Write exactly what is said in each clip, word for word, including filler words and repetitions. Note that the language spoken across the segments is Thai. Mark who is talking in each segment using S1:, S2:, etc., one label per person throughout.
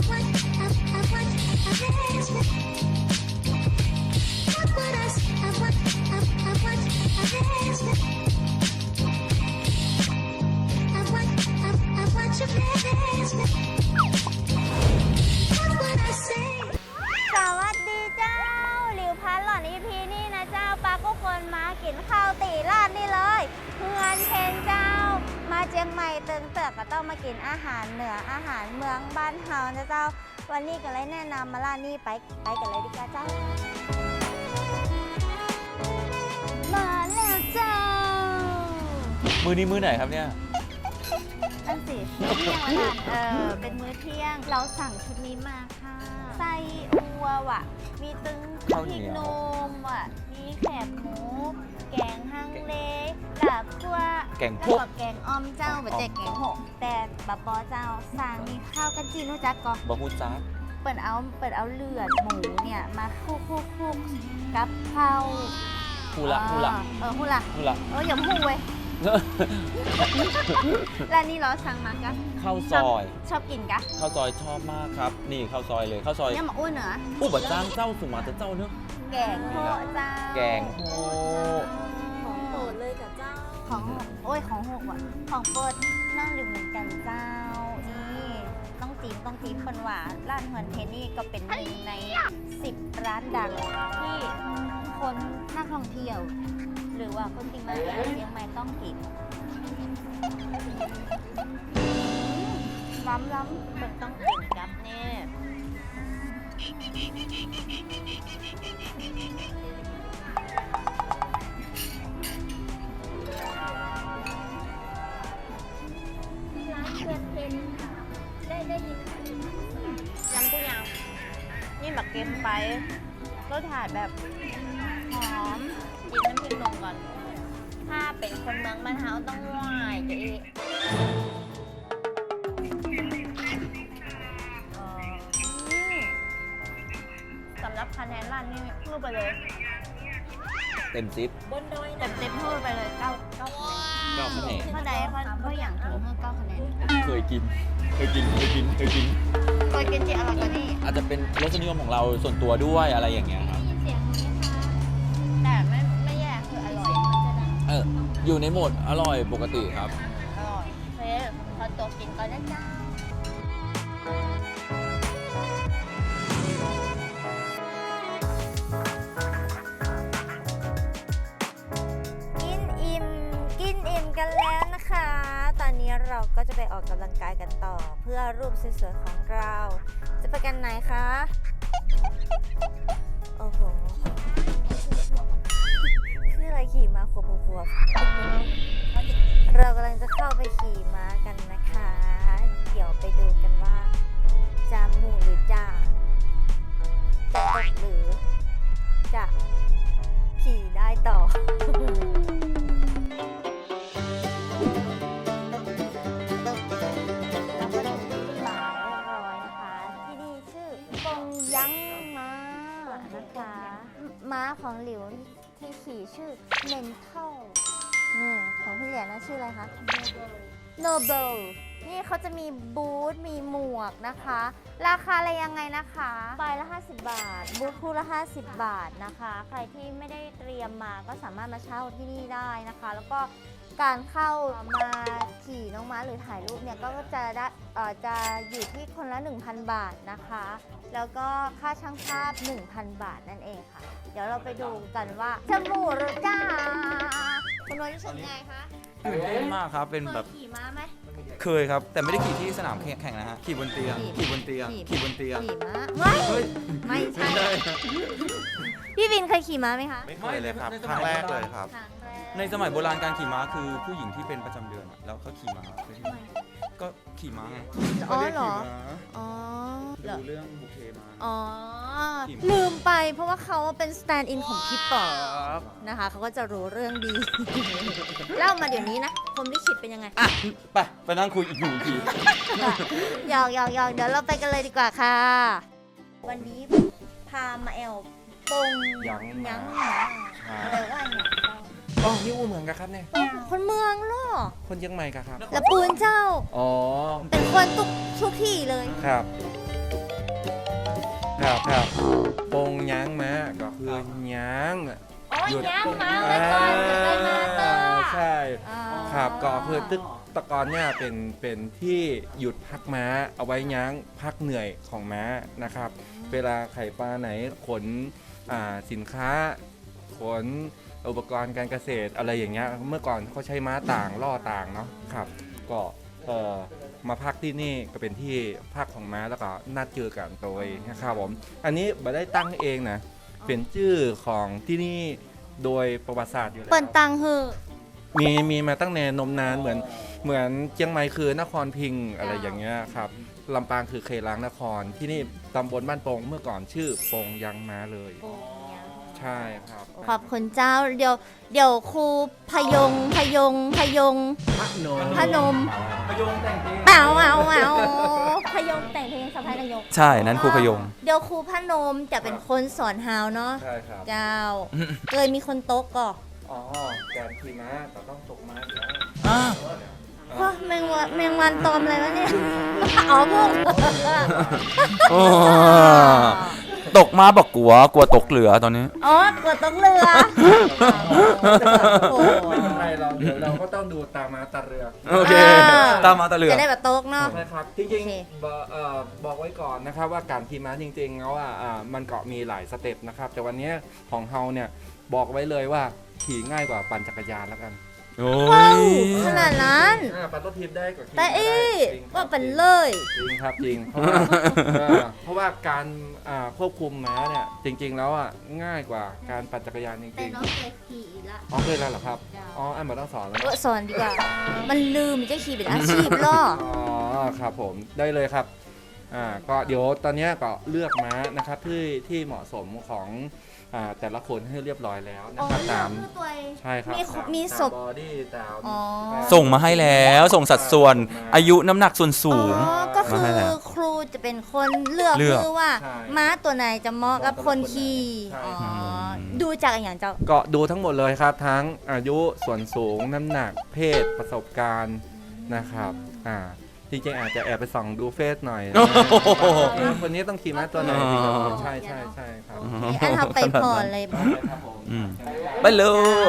S1: วัสดีเจ้าหลิวพันหล่อนอีพีนี่นะเจ้าปลาก็คนมากินข้าวตีลาดนี่เลยเพื่อนเพนเจ้ามาเจียงใหม่เติงเติกก็ต้องมากินอาหารเหนืออาหารเมืองบ้านเฮานะเจ้าวันนี้ก็เลยแนะนำมาร้านนี้ไปไปกันเลยดีกว่าเจ้ามาแล้วเจ้า
S2: มือนี้มือไหนครับเนี่ย
S1: นั่นสิเที่ยงแล้วนะเออเป็นมื้อเที่ยงเราสั่งชุดนี้มาค่ะไส้อัวว่ะมีตึงพริกนมว่ะมีแคบหมูแกงฮังเลลาบคั่ว
S2: แกง
S1: แล้ว
S2: พวก
S1: ก็แกงอ้อมเจ้าแบบแจกแกงหกแต่บะปอเจ้าสั่งมีข้าวกันจีนรู้จักก่อน
S2: บะฮูจ้า
S1: เปิดเอาเปิดเอาเลือดหมูเนี่ยมาคลุกคลุกคลุกกับข้าว
S2: ฮูละฮูละ
S1: เออฮูละ
S2: ฮูละ
S1: เอออย่าพูดเว้ยแล้วนี่เราสั่งมากะ
S2: ข้าวซอย
S1: ชอบกินกะ
S2: ข้าวซอยชอบมากครับ นี่ข้าวซอยเลยข้าวซอย
S1: เนี่ยมาอ้วนเหรอ
S2: อู้บะจ้างเจ้าสุมาแต่เจ้าเนอะ
S1: แกงโฮเจ้า
S2: แกงโฮ
S1: ของโปรดเลยกับเจ้าของหกโอ้ยของหกว่ะของโปรดนั่งอยู่เหมือนกันเจ้านี่ต้องจีมต้องจีมคนหวานร้านเฮินเทนนี่ก็เป็นหนึ่งในสิบร้านดังที่คนนักท่องเที่ยว หรือว่าคนที่มาเที่ยวเชียงใหม่ต้องกินล้ำล้ำเป็นต้องกินกับเนี่ยร้านเพื่อนเพนได้ได้ยินยำตัวอย่างนี่หมักเก็มไปรสชาติแบบหอมกินน้ำพริกนมก่อนถ้าเป็นคนเมืองบ้านเฮาต้องไหว้จะอีสำหรับคะแนนร้านนี้พูดไปเลย
S2: เต็มซิป
S1: บนดอยเต็มเต็มพูดไปเลยเก้าเก้าคะแนน
S2: เก้าคะแนน
S1: เพราะใดเพราะเพราะอย่างถึงเมื่อเก้าคะแนน
S2: เคยกิน เคยกิน เคยกิน เคยกิน
S1: เคยกินที่อร่อยกว่านี้
S2: อาจจะเป็นรสนิยมของเราส่วนตัวด้วยอะไรอย่างเงี้ยครับ
S1: เสียงนี้ค่ะแต่ไม่ไม่แย่คืออร่อยมันจะดัง
S2: เออ อยู่ในโหมดอร่อยปกติครับ
S1: อร่อยเฮ้พอตัวกินก็ได้จ้ากินอิ่มกินอิ่มกันแล้วนะคะ ตอนนี้เราก็จะไปออกกำลังกายกันต่อ เพื่อรูปสวยๆของเรา จะไปกันไหนคะ โอ้โหคืออะไรขี่ม้าขวบขวบเรากำลังจะเข้าไปขี่ม้ากันนะคะ เดี๋ยวไปดูกันว่าจะหมู่หรือจะจะตกหรือจะขี่ได้ต่อ เราก็ถึงที่หมายเรียบร้อยนะคะ ที่นี่ชื่อปงยั้งม้านะคะ ม้าของหลิวที่ขี่ชื่อเมนเทลนี่ของพี่เหรียญนะชื่ออะไรคะ โนเบล นี่เขาจะมีบูธ มีหมวกนะคะ ราคาอะไรยังไงนะคะใบละห้าสิบบาท บูธคู่ละห้าสิบบาทนะคะ ใครที่ไม่ได้เตรียมมาก็สามารถมาเช่าที่นี่ได้นะคะ แล้วก็การเข้ามาขี่น้องม้าหรือถ่ายรูปเนี่ย ก็จะได้เอ่อจะอยู่ที่คนละ หนึ่งพัน บาทนะคะ แล้วก็ค่าช่างภาพ หนึ่งพัน บาทนั่นเองค่ะ เดี๋ยวเราไปดูกันว่าจะหมู่หรือจ้าคุณน้อยรู้สึกไงคะ
S2: ตื่นเต้นมากครับ เป็น
S1: เค
S2: แบ
S1: ย
S2: บ
S1: ขี่ม้าไหม
S2: เคยครับ แต่ไม่ได้ขี่ที่สนามแข่งนะฮะ ขี่บนเตียง ขี่บนเตียง ขี่บนเตียง
S1: ขี่ม้าไม่
S2: เฮ้ย
S1: ไม่ใช่
S2: ไม่ได้
S1: พี่วินเคยขี่ม้าไหมคะ
S3: ไม่เคยเลยครับ
S2: ในส
S3: ค
S2: มัย
S3: รั้งแรกเลยครับ
S1: ครั้งแรก
S2: ในสมัยโบราณการขี่ม้าคือผู้หญิงที่เป็นประจำเดือนอะแล้วเขาขี่ม้าเคยเห็นไหมก็ขี่ม้าไง
S1: อ๋อ
S2: เขาเรียก
S1: เหรอ
S2: ขี่ม้า
S1: อ๋อเหรอ
S2: ดูเรื่องบุเคมา
S1: อ๋อ
S2: ขี่ม้า
S1: ลืมไปเพราะว่าเขาเป็นสแตนด์อินของพี่ป๋อกนะคะ เขาก็จะรู้เรื่องดี เล่ามาเดี๋ยวนี้นะพรหมลิขิตเป็นยังไง
S2: อ่ะไปไปนั่งคุยอีกหนึ่งที
S1: หยอกหยอกหยอกเดี๋ยวเราไปกันเลยดีกว่าค่ะ วันนี้พามาแอลปง
S3: ยั้งม้า
S1: ยั้งม้าแปลว่าอย่างเจ้า
S3: อ๋อนี่อู้เมืองกันครับเนี่ย
S1: คนเมืองเหรอ
S3: คนเชียงใหม่กันครับ
S1: ละปูนเจ้า
S2: อ๋อ
S1: เป็นคนทุกทุกที่เลย
S3: ครับครับครับปงยั้งม้าก็คือยั้ง
S1: โอ้ย
S3: หยุด
S1: ย่างมาไว้ก่อนจะได้มาเตอร์
S3: ใช่
S1: อ่า
S3: ครับก็คือตึกตะกอนเนี่ยเป็นเป็นที่หยุดพักม้าเอาไว้ยั้งพักเหนื่อยของม้านะครับ เวลาไข่ปลาไหนขนอ่าสินค้าขนอุปกรณ์การเกษตรอะไรอย่างเงี้ยเมื่อก่อนเขาใช้ม้าต่างล่อต่างเนาะครับก็เอ่อมาพักที่นี่ก็เป็นที่พักของม้าแล้วก็นัดเจอกันโดยนะครับผมอันนี้ไม่ได้ตั้งเองนะเป็นชื่อของที่นี่โดยประวัติศาสตร์อยู่แล้ว
S1: เปิดตังฮือ
S3: มีมีมาตั้งแต่นมนานเหมือนเหมือนเชียงใหม่คือนครพิงค์อะไรอย่างเงี้ยครับลำปางคือเคล้างนครที่นี่ตำบลบ้านโปงเมื่อก่อนชื่อโปงยังมาเลย ใช่ครับ
S1: ขอบคุณเจ้าเดี๋ยวเดี๋ยวครูพยงพยงพยง
S3: พระนม
S1: พนม
S2: พยงแต่งเพลง
S1: เปล่าเอาเอาพยงแต่งเพลงสะพายนายก
S2: ใช่นั้นครูพยง
S1: เดี๋ยวครูพนมจะเป็นคนสอนฮาวเนาะ
S3: ใช่ครับ
S1: เจ้าเคยมีคนโต๊ะก่อ
S3: อ๋อการขี่ม้าแต่ต้องตกม้าอยู่แล้ว
S2: อ่า
S1: ว้าแมงวันแมงวันตอมอะไรวะเนี่ย อ๋อพวก
S2: โอ้ตกมาบอกกลัวกลัวตกเหลือตอนนี้
S1: อ๋อกดต้องเรือโอ้โห
S3: ไม่เป็นไรเราเดี๋ยวเราก็ต้องดูตาม้าตาเรือ
S2: โอเค ตามมาตะเหลือ
S1: จะได้แบบโต๊ะเนาะ
S3: ใช่ครับจ
S1: โอ
S3: ริง
S1: เค
S3: ๆบอกเอ่อบอกไว้ก่อนนะครับว่าการขี่ม้าจริงๆแล้วอ่ะอ่ามันก็มีหลายสเต็ปนะครับแต่วันนี้ของเฮาเนี่ยบอกไว้เลยว่าขี่ง่ายกว่าปั่นจักรยานแล้วกัน
S2: โอ้
S1: ว้าวย ขนาดนั้น
S3: อ่าปั่นรถทิพย์ได้กว่าขี่
S1: แต่
S3: ม้า
S1: เอ้
S3: ได้จริงครับ
S1: ว่าเป็นเลย
S3: จริงครับจริงเพราะว่าเออเพราะว่าการอ่าควบคุมม้าเนี่ยจริง ๆ แล้วอ่ะง่ายกว่าการปั่นจักรยานจ
S1: แต่
S3: ริง
S1: น้องเคยขี่ละ
S3: ๆอ๋อเคยแล้วเหรอครับอ๋ออันมาต้องสอนแล้ว
S1: เออ
S3: นะ
S1: สอนดีกว่า มันลืมจะขี่เป็นอาชีพล่อ
S3: อ๋อครับผมได้เลยครับอ่าก็เดี๋ยวตอนเนี้ยก็เลือกม้านะครับที่ที่เหมาะสมของอ่าแต่ละคนให้เรียบร้อยแล้วนะ
S1: อ๋อ
S3: ครับ
S1: เลือ
S3: ตาก ม
S1: เพื่อตัวเอง
S3: ใช่ครับ
S1: มี
S3: ตาม
S1: มี
S3: ตา
S1: ศพ
S3: บอดี้ตาม
S1: อ๋อ
S2: ส่งมาให้แล้วส่งสัดส่วน อายุน้ำหนักส่วนสูง
S1: อ๋อ ก็คื
S2: มาให้
S1: อ
S2: แล้ว
S1: ครูจะเป็นคนเลือก
S2: เลือก
S1: คือว่า
S3: ใช่
S1: ม้าตัวไหนจะเหมาะกับคนขี่
S3: ใช่
S1: อ๋อ
S2: อืม
S1: ดูจากอย่างเจ้า
S3: ก็ดูทั้งหมดเลยครับ ทั้งอายุส่วนสูงน้ำหนักเพศประสบการณ์นะครับอ่าจริงๆอาจจะแอบไปส่องดูเฟซหน่อยนะ
S2: โอ้โห
S3: เออคนนี้ต้องขี่ม้าตัวไหนดีครับใช่ใช่ใช่ครับ
S1: อันทำไปพอเลยบอก
S3: ครับผม
S2: อืมไปเลย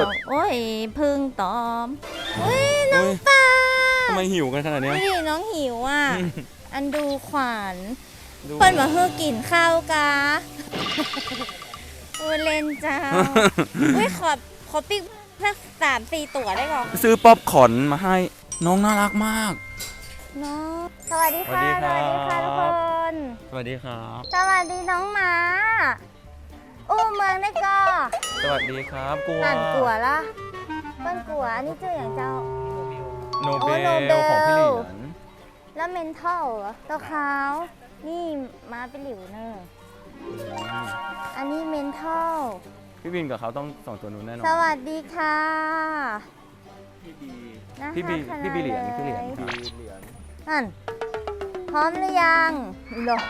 S1: โอ้ยพึ่งตอมอุ้ยน้อง
S2: อุ๊ย
S1: ปลา
S2: ทำไมหิวกันขนาดเนี้ย
S1: ไม่ดิน้องหิวอ่ะ อันดูขวาน
S2: ดู
S1: เปิ้นมาเฮือกินข้าวกาโอ้เล่นเจ้า อุ้ยขอขอปิ๊กสักสามสี่ตัวได้ก่อน
S2: ซื้อป๊อปคอร์นมาให้น้องน่ารักมาก
S1: เนาะสวัสดีค่ะ
S2: สวัสดีครับ
S1: ทุกคน
S2: สวัสดีครับ
S1: สวัสดีน้องหมาอู้เมืองได้ก็
S2: สวัสดีครับกลัว
S1: อ่านกัวละเปิ้นกัวอันนี้ชื่ออย่างเจ้า
S2: โน
S1: โอ้
S2: เบ
S1: โนเบ
S2: ล
S1: ล
S2: ของพี่เหรียญ
S1: แล้วเมนเทลเหรอตัวขาว นี่มาเป็นหลิวเนอร์อันนี้เมนเทล
S2: พี่บินกับเขาต้องสองตัวนู้นแน่นอน
S1: สวัสดีค่ะ
S3: พี่บี
S1: น่า
S2: พี่บี
S1: รักขนาด
S2: พี่บีเหรียญพี่เหรียญ
S1: ล
S3: บีเหรียญ
S1: นั่นพร้อมหรือยังเหรอ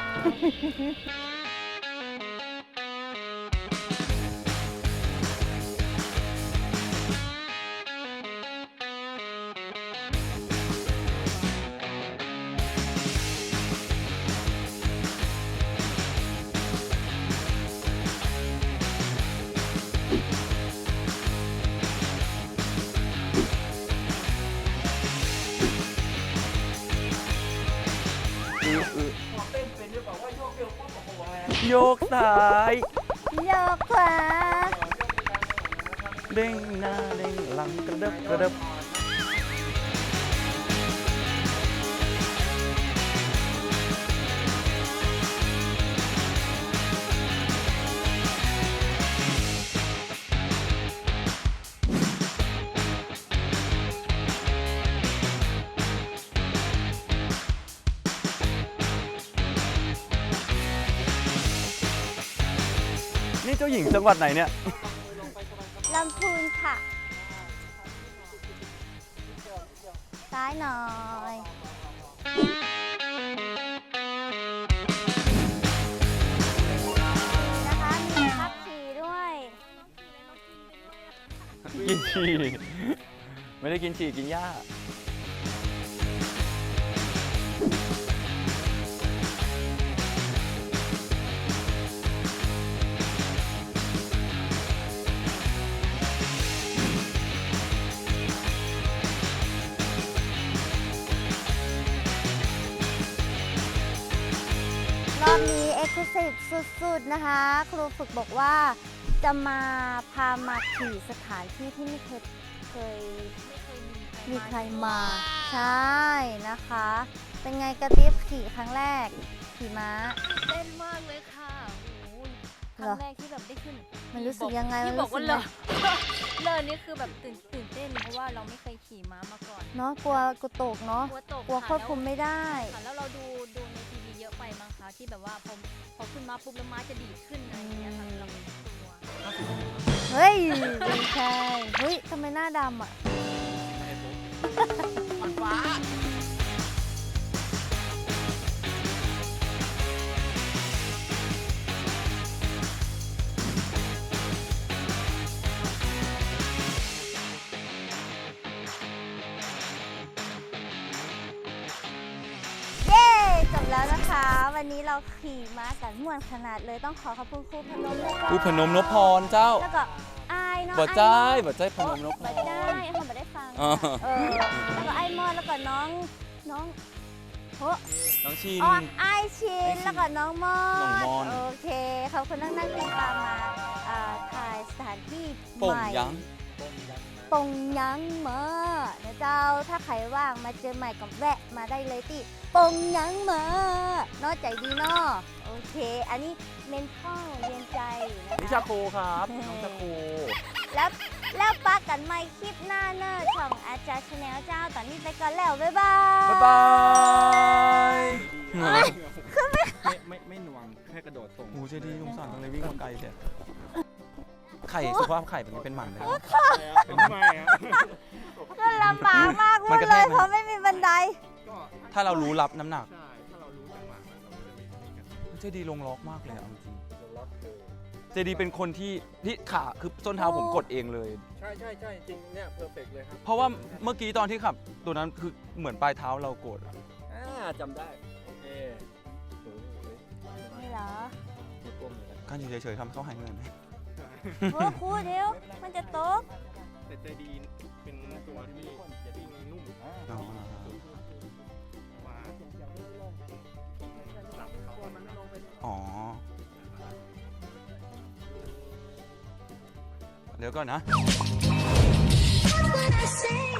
S2: โยกซ้าย
S1: โยกขวา
S2: เด้งหน้าเด้งหลังกระเดิบกระเดิบนี่เจ้าหญิงจังหวัดไหนเนี่ย
S1: ลำพูนค่ะ ซ้ายหน่อย นะคะ มีขับขี่ด้วย
S2: กินฉี่ไม่ได้กินฉี่กินหญ้า
S1: อบนี้เอ็กซ์คลูซีฟสุดๆนะคะ ครูฝึกบอกว่าจะมาพามาขี่สถานที่ที่ไม่เคยเคยมีใครมา ใช่นะคะ เป็นไงกระติบขี่ครั้งแรก ขี่ม้า
S4: เต้นมากเลยค่ะโอ้ยค
S1: เหร
S4: รั้
S1: อ
S4: งแรกที่แบบได้ขึ้น
S1: มันรู้สึกยังไง
S4: ที่
S1: มัน
S4: บ
S1: รู้
S4: อกว่า
S1: สึก
S4: เล
S1: ยั
S4: ย
S1: ง
S4: เลยนี่คือแบบตื่นตื่นเต้นเพราะว่าเราไม่เคยขี่ม้ามาก่อน
S1: เนาะกลัวกูตกเนาะ
S4: กลัวตก
S1: กลัวควบคุมไม่ได้
S4: ค่ะแล้วเราดูดูในทีวีเยอะไปมั้งคะที่แบบว่าพอพอขึ้นมาปุ๊บแล้วม้าจะดีดขึ้นอะไรอย่างเงี้ยค่ะเราไม่กลัว
S1: เฮ้ยไม่ใช่เฮ้ยทำไมหน้าดำอ่ะ
S2: มันฟ้า
S1: เย้จบแล้วนะคะ วันนี้เราขี่ม้ากันม่วนขนาดเลยต้องขอขอบคุณครูพนมด้วยค่ะ
S2: ผู้พนมนพพรเจ้า
S1: แล้วก็อายเนาะ
S2: บ่
S1: อ้
S2: ใจ
S1: มอ
S2: บ่ใจพนมนพพ
S1: บ่
S2: ร
S1: ได้เขาบ่ได้ฟัง
S2: อ๋อ
S1: เออแล้วก็ไอ้มอนแล้วก็น้องน้องโอ้
S2: น้องชิน
S1: อ๋อไอายชิน
S2: ไอ้ชิน
S1: แล้วก็น้องมอน
S2: น้องมอน
S1: โอเคขอบคุณนั่งนั่งติดตามมาอ่าถ่ายสถานที่
S2: โป่ง
S1: ใหม่
S2: ยัง
S1: ปงยังมานะเจ้าถ้าใครว่างมาเจอใหม่กับแวะมาได้เลยที่ปงยังมาเนอกใจดีเนาะโอเค อันนี้เมนท่องเรียนใจนะ
S2: นิ
S1: คะ
S2: ชาโคครับน้องชาโค
S1: แล้วแล้วปักกันใหม่คลิปหน้าเนอะช่องอาจารย์ชาแนลเจ้า ตอนนี้ไปก่อนแล้ว บ๊ายบาย
S2: บ๊ายบาย
S3: ไม่ไม่ไม่หน่วงแค่กระโดดส่ง
S2: โอ้เจดีสงสารจังเลยวิ่งมาไกลเชียวไข่สุขภาพไข่เป็นไงเป็นหมันเลย
S3: เป็นไมอะ
S1: ก็ลำบากมาก
S2: มัน
S1: พูด
S2: กระ
S1: เล
S2: แท
S1: ย
S2: กไหม
S1: เพราะไม่มีบันได
S3: ก็
S2: ถ้าเรารู้รับน้ำหนัก
S3: ใช่ถ้าเรารู้จังหวะมันเราก็จะไม่มีกัน
S2: เจดีลงล็อกมากเลยเอาจริง
S3: ล็อกเลย
S2: เจดีเป็นคนที่ที่ขาคือส้นเท้าผมกดเองเลย
S3: ใช่ใช่ใช่จริงเนี่ยเพอร์เฟกเลยครับ
S2: เพราะว่าเมื่อกี้ตอนที่ขับ ตัวนั้นคือเหมือนปลายเท้าเรากดอะ
S3: อ่าจำได้ โอเคโอ้โห
S1: นี่เหรอ
S3: มีกลมเหมือนกัน
S2: การอยู่เฉยๆทำให้เขาหายเหนื่อยไหม
S1: โอ้ครูเดี๋ยว มันจะตก
S3: แต่ใจดีเป็นตัวที่จะดีนุ่ม
S2: อ๋อ
S3: ว่าหลับเขามันไม่ลงไป
S2: อ๋อ เดี๋ยวก่อนนะ